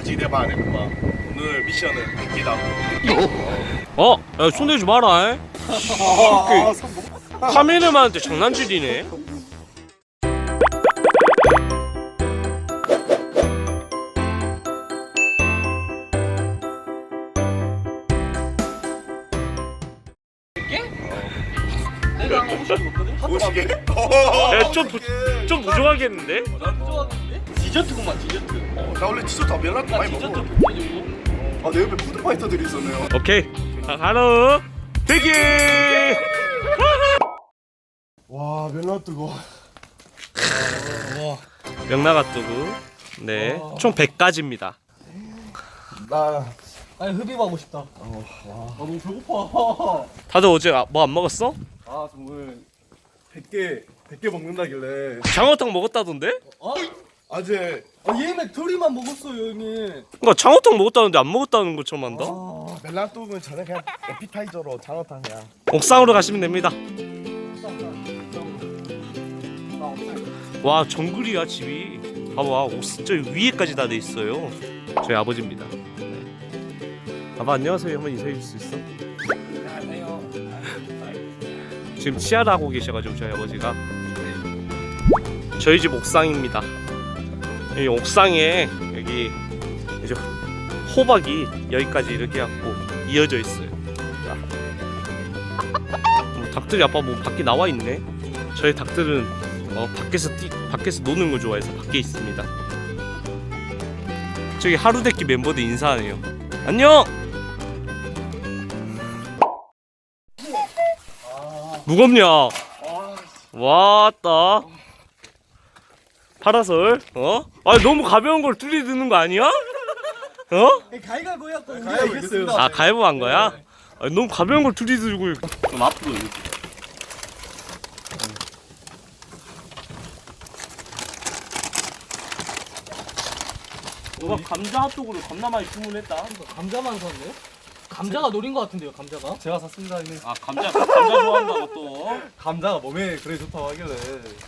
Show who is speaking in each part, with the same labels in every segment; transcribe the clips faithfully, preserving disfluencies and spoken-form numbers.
Speaker 1: 기대봐 안 해봐. 오늘 미션은 백기다.
Speaker 2: 어? 야, 손대지 마라. 에? 카메라만한테 장난질이네.
Speaker 1: 오시게?
Speaker 2: 야, 좀, 부, 좀 부족하겠는데?
Speaker 3: 디저트구만 디저트.
Speaker 1: 나 원래 디저트 안 멜라또
Speaker 3: 나
Speaker 1: 많이
Speaker 3: 디저트
Speaker 1: 먹어.
Speaker 3: 못
Speaker 1: 아, 내 옆에 푸드파이터들이 있었네요.
Speaker 2: 오케이. 자, 하나, 대기!
Speaker 1: 와, 멜라또가.
Speaker 2: 명나가뚜구. 네. 총 백 가지입니다.
Speaker 1: 나
Speaker 3: 아니 흡입하고 싶다. 어, 와. 아 너무 배고파.
Speaker 2: 다들 어제 뭐 안 먹었어?
Speaker 1: 아, 정말 백 개, 백 개 먹는다길래.
Speaker 2: 장어탕 먹었다던데?
Speaker 3: 어?
Speaker 1: 어제
Speaker 3: 아 얘네 둘이만 먹었어요 이미.
Speaker 2: 그러니까 장어탕 먹었다는데 안 먹었다는 것처럼 한다?
Speaker 3: 아.
Speaker 1: 멜라또는 저는 그냥 에피타이저로 장어탕이야.
Speaker 2: 옥상으로 가시면 됩니다. 와, 정글이야 집이. 봐봐, 옥- 저 위에까지 다 돼 있어요. 저희 아버지입니다. 네. 아빠 안녕하세요. 한번 인사해 줄 수 있어? 지금 치아를 하고 계셔가지고 저희 아버지가. 저희 집 옥상입니다. 이 옥상에 여기 이제 호박이 여기까지 이렇게 갖고 이어져 있어요. 자. 뭐 닭들이 아빠 뭐 밖에 나와 있네. 저희 닭들은 어, 밖에서 뛰, 밖에서 노는 거 좋아해서 밖에 있습니다. 저기 하루데키 멤버들 인사하네요. 안녕. 무겁냐? 왔다. 파라솔. 어? 아, 너무 가벼운 걸 둘이 드는 거 아니야? 어?
Speaker 3: 가위가위보 해갖고 우리가
Speaker 1: 가위바위보
Speaker 3: 이겼습니다.
Speaker 2: 아, 가위바위보 한 거야? 아, 너무 가벼운 걸 둘이 들고.
Speaker 3: 좀 앞으로 이렇게.
Speaker 2: 너가 감자 핫도그를 겁나 많이 주문했다.
Speaker 3: 감자만 샀네? 감자가 노린 것 같은데요 감자가?
Speaker 1: 제가 샀습니다, 이미.
Speaker 2: 아, 감자 감자 좋아한다고 또.
Speaker 1: 감자가 몸에 그래 좋다고 하길래.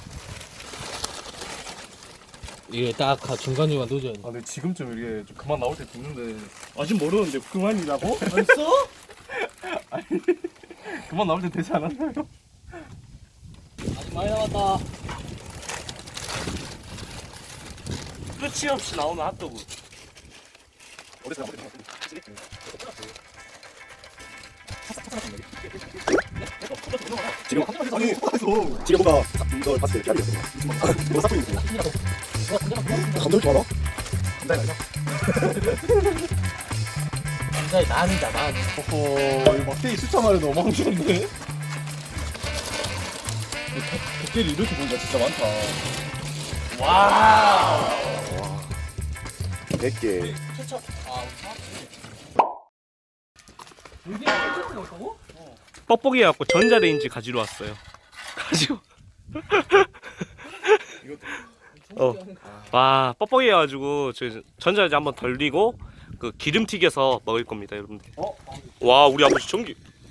Speaker 3: 이게 딱 중간중간 넣어줘야 돼.
Speaker 1: 아, 근데 지금쯤 이게 좀 그만 나올 때 됐는데.
Speaker 2: 아직 모르는데 그만이라고?
Speaker 3: 벌써?
Speaker 1: 그만 나올 때 되지 않았나요?
Speaker 3: 아직 많이 남았다.
Speaker 2: 끝이 없이 나오는 핫도그.
Speaker 1: 어디서 나올 때 지금 아니 속아서 지금 뭔가 이걸 봤을 때 피하겠어. 뭐가 싹 보이는 거야. 감정 좋아라. 감자가 아니야.
Speaker 3: 감자의 난이다 난.
Speaker 1: 어허, 이 막대기 숫자 말이 너무 황당한데. 백개를 이렇게 보니까 진짜 많다.
Speaker 2: 와.
Speaker 1: 백 개.
Speaker 3: 케첩. 아 여기 케첩이 넣었다고?
Speaker 2: 뻑뻑이 해갖고 전자레인지 가지러 왔어요. 가지고. 어. 와, 뻑뻑이 해가지고 저 전자레인지 한번 돌리고 그 기름 튀겨서 먹을 겁니다, 여러분들.
Speaker 3: 어?
Speaker 2: 와, 우리 아버지 전기.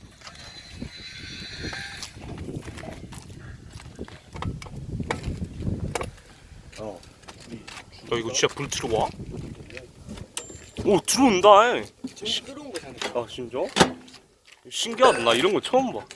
Speaker 1: 어.
Speaker 2: 야, 이거 진짜 불 들어와? 오, 들어온다.
Speaker 3: 지금 끓여온 거 사는
Speaker 2: 아, 진짜? 신기하다. 나 이런 거 처음 봐.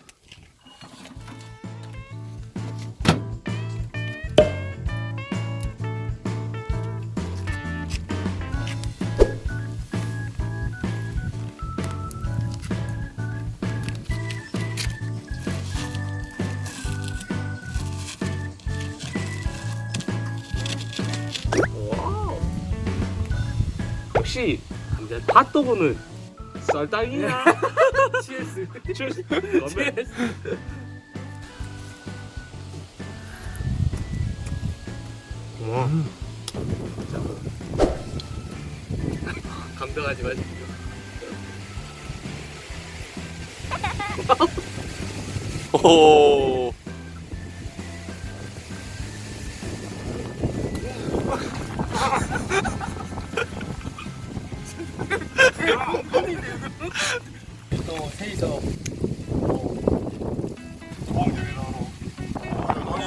Speaker 2: 혹시 이제 핫도그는 썰당이야?
Speaker 3: 치에스.
Speaker 2: 치얼스. 와.
Speaker 3: 감당하지 마시고.
Speaker 2: 오.
Speaker 3: 또 세이서.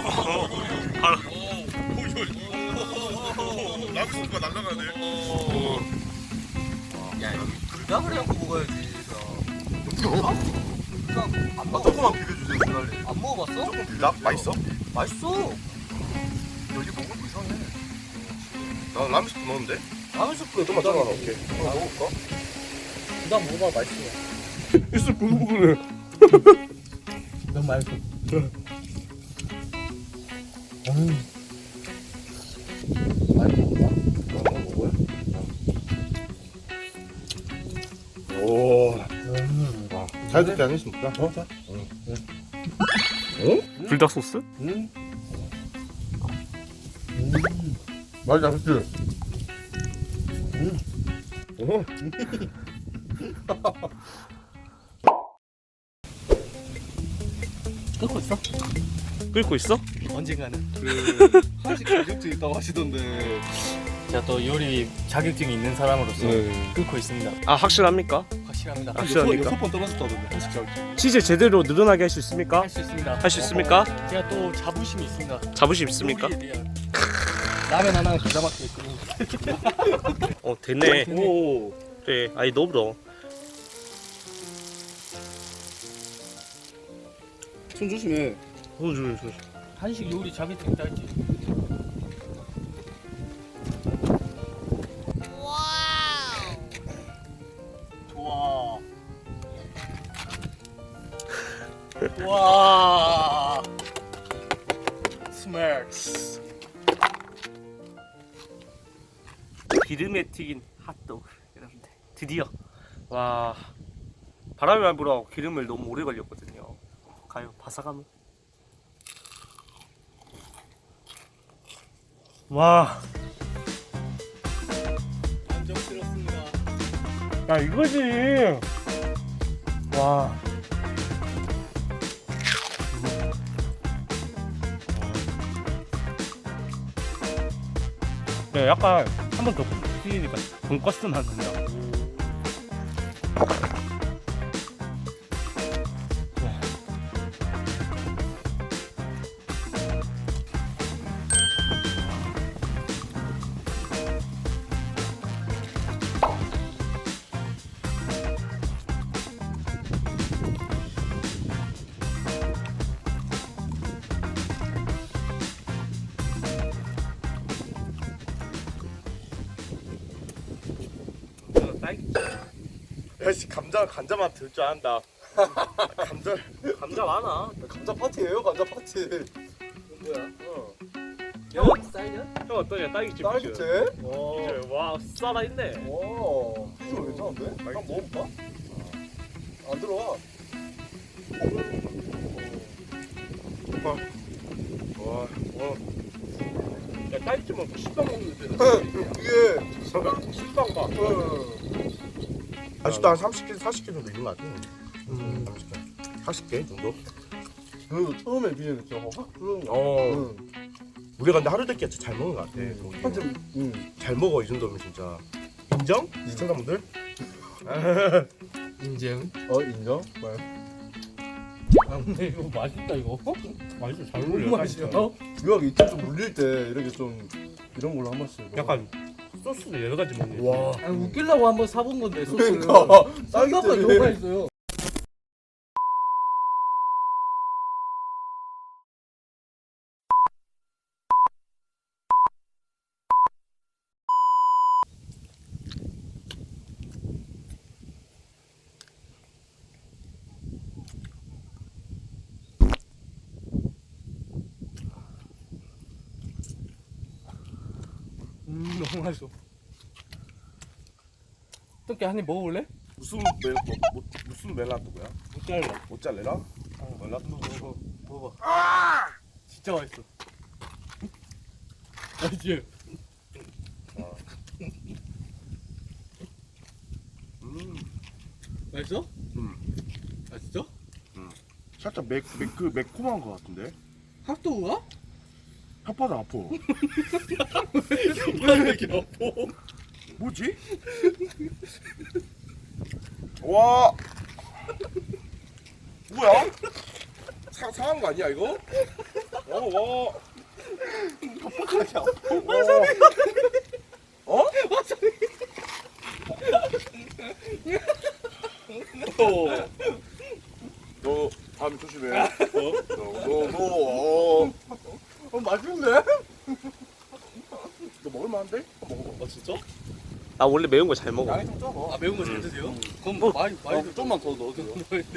Speaker 1: 라그 소스가 날라가네.
Speaker 3: 부작을 해갖고 먹어야지. 그냥 안
Speaker 1: 아,
Speaker 3: 먹어.
Speaker 1: 조금만 비벼주세요, 주날리.
Speaker 3: 안 먹어봤어?
Speaker 1: 조금 비벼. 맛있어?
Speaker 3: 맛있어. 여기 먹으면 이상해.
Speaker 1: 나 라면 스프 넣었는데?
Speaker 3: 라면 스프에
Speaker 1: 좀만 잘라 오케이. 하나 먹을까?
Speaker 3: 부작 먹어봐 맛있어.
Speaker 2: 있어 부글부글.
Speaker 3: 너무 맛있어. 많이 먹어봐.
Speaker 1: 하나 먹어요? 오. 아, 잘 듣지 않으십니까? 어, 자.
Speaker 2: 불닭 소스?
Speaker 1: 음. 음. 맛있다, 그치? 음. 어.
Speaker 3: 끓고 있어?
Speaker 2: 끓고 있어?
Speaker 3: 언젠가는.
Speaker 1: 그, 한식 자격증 있다고 하시던데.
Speaker 3: 제가 또 요리 자격증이 있는 사람으로서
Speaker 1: 네.
Speaker 3: 끓고 있습니다.
Speaker 2: 아 확실합니까?
Speaker 3: 확실합니다.
Speaker 2: 확실합니까?
Speaker 1: 여섯 번 떨어졌다던데, 한식 자격증.
Speaker 2: 치즈 제대로 늘어나게 할 수 있습니까?
Speaker 3: 할 수 있습니다.
Speaker 2: 할 수 있습니까?
Speaker 3: 제가 또 자부심이 있습니다.
Speaker 2: 자부심 있습니까?
Speaker 3: 요리에 대한. 라면 하나 기가 막히게 끓이고.
Speaker 2: 어 됐네.
Speaker 1: 오.
Speaker 2: 그래 아이 너불어.
Speaker 1: 손 조심해.
Speaker 2: 손 조심 손.
Speaker 3: 한식 요리 자격증 있다 했지. 좋아. 와. 스멜스.
Speaker 2: 기름에 튀긴 핫도그 여러분들 드디어 와 바람이 많이 불어 기름을 너무 오래 걸렸거든요. 가요 바삭함은 와.
Speaker 3: 만족스럽습니다.
Speaker 2: 야 이거지. 와. 야 약간 한 번 더 튀기니까 돈가스 맛 난다.
Speaker 1: 야씨, 감자, 감자 맛 들 줄 안다. 감자,
Speaker 2: 감자 많아.
Speaker 1: 감자 파티예요, 감자 파티.
Speaker 3: 뭐야?
Speaker 1: 어.
Speaker 3: 야, 사이드?
Speaker 2: 형 어떠냐 딸기집.
Speaker 1: 딸기채?
Speaker 2: 이제 와 싸다 있네.
Speaker 1: 와, 비주얼 괜찮은데? 한번 먹어볼까? 안 들어와. 와, 와.
Speaker 2: 야 딸기집 먹고 식빵 먹는데.
Speaker 1: 이게
Speaker 2: 식빵 봐.
Speaker 1: 아직도 한 삼십 개, 사십 개 정도 있는 것 같아. 음, 삼십 개. 사십 개 정도? 그 처음에 비해는 진짜 확 그런 거. 어. 우리가 근데 하루 됐기 잘 먹는 것 같아. 한점 응. 잘 먹어 이 정도면 진짜. 인정? 시청자분들?
Speaker 3: 인증.
Speaker 1: 어 인정? 뭐?
Speaker 3: 아 근데 이거 맛있다 이거.
Speaker 2: 맛있어 잘
Speaker 3: 너무
Speaker 2: 어울려.
Speaker 3: 맛있어.
Speaker 1: 유학 이쪽 좀 물릴 때 이렇게 좀 이런 걸로 한 번씩.
Speaker 2: 약간 소스도 여러 가지 먹네.
Speaker 1: 와.
Speaker 3: 아니 웃기려고 한번 사본 건데 소스를.
Speaker 1: 그러니까
Speaker 3: 생각보다
Speaker 1: 딸기잼이.
Speaker 3: 너무 맛있어요. 음 너무 맛있어. 어떻게 한 입 먹어볼래?
Speaker 1: 무슨 멜 뭐, 뭐, 무슨 멜라토야?
Speaker 2: 모짜렐라.
Speaker 1: 모짜렐라? 멜라토.
Speaker 3: 먹어 먹어봐. 진짜 맛있어. 맛있지?
Speaker 1: 음.
Speaker 3: 맛있어?
Speaker 1: 음.
Speaker 3: 맛있어?
Speaker 1: 살짝 매, 매, 그 매콤한 것 같은데?
Speaker 3: 핫도그가?
Speaker 1: 혓바닥 아파.
Speaker 3: 왜 이렇게 아파?
Speaker 1: 뭐지? 와. 뭐야? 상, 상한 거 아니야 이거? 어, 와. 혓바닥이 아파. 어? 너 다음에 조심해. 어? 너너너 어. 어 맛있네. 너 먹을만한데? 한번 먹어봐.
Speaker 3: 아 진짜?
Speaker 2: 나 원래 매운 거 잘 먹어.
Speaker 1: 양이 좀 적어.
Speaker 3: 아 매운 거 잘 드세요? 그럼 많이 많이 좀 좀만 더 넣어줘요.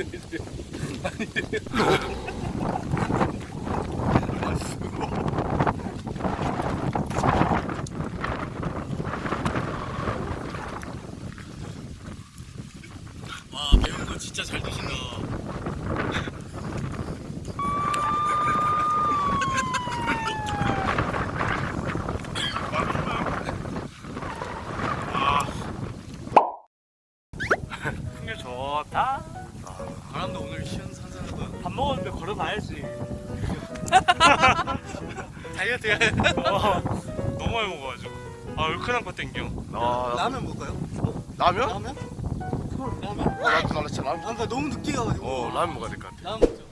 Speaker 3: 와 매운 거 진짜 잘 드신다.
Speaker 2: 풍경 좋다.
Speaker 3: 바람도 오늘 시원산산하다.
Speaker 2: 밥 먹었는데 걸어가야지.
Speaker 3: 다이어트 해.
Speaker 2: 어, 너무 많이 먹어가지고. 아 얼큰한 거 땡겨. 아,
Speaker 3: 라면 먹을까요?
Speaker 1: 라면?
Speaker 3: 라면? 라면?
Speaker 1: 어, 나도 나 진짜 라면.
Speaker 3: 아, 그러니까 너무 늦게 가가지고.
Speaker 1: 어 라면 먹어야 될 것 같아.
Speaker 3: 라면 먹죠.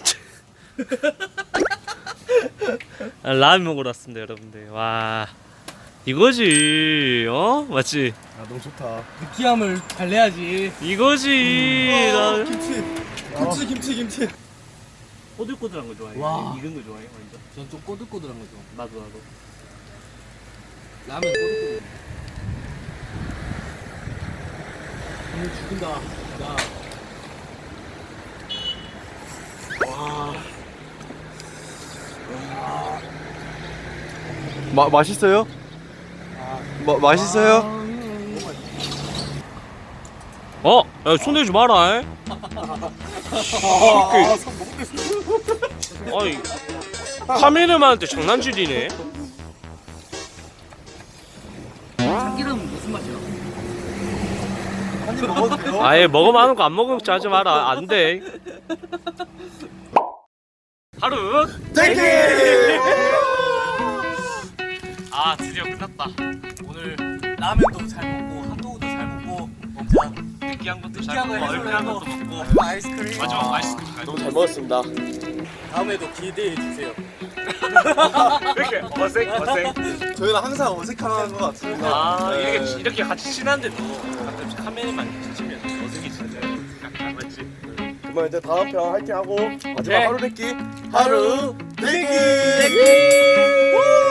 Speaker 2: 아, 라면 먹으러 왔습니다, 여러분들. 와, 이거지, 어? 맞지?
Speaker 1: 아 너무 좋다.
Speaker 3: 느끼함을 달래야지.
Speaker 2: 이거지. 나
Speaker 3: 김치. 김치 김치 김치.
Speaker 2: 꼬들꼬들한 거 좋아해.
Speaker 3: 와.
Speaker 2: 익은 거 좋아해, 완전.
Speaker 3: 전 좀 꼬들꼬들한 거 좋아.
Speaker 2: 나도 나도.
Speaker 3: 라면 꼬들꼬들. 오늘 죽인다. 야.
Speaker 4: 마, 맛있어요? 마, 맛있어요?
Speaker 2: 어, 야, 손 대지 마라. 아이, 카메라만한테 장난질이네.
Speaker 3: 참기름 무슨 맛이야?
Speaker 1: 한입 먹어도 돼요?
Speaker 2: 아예 먹으면 하는 거 안 먹으면 하지 마라. 안 돼. 하루.
Speaker 1: 땡기!
Speaker 2: 아, 드디어 끝났다.
Speaker 3: 오늘 라면도 잘 먹고 핫도그도 잘 먹고 먹자.
Speaker 2: 느끼한 것도 잘
Speaker 3: 느끼한 거
Speaker 2: 먹고 얼큰한
Speaker 3: 해서
Speaker 2: 것도 먹고.
Speaker 3: 아이스크림.
Speaker 2: 마지막 아이스크림 잘
Speaker 1: 너무 잘 먹었습니다.
Speaker 3: 다음에도 기대해 주세요.
Speaker 2: 이렇게 어색 어색.
Speaker 4: 저희는 항상 어색한 것 같습니다.
Speaker 2: 아, 이렇게 이렇게 같이 친한데도 가끔 카메라만 치면 어색해지잖아요. 안 맞지?
Speaker 1: 그러면 이제 다음 편 화이팅 하고 마지막
Speaker 2: 네.
Speaker 1: 하루 내기 하루 내기.
Speaker 2: 땡기.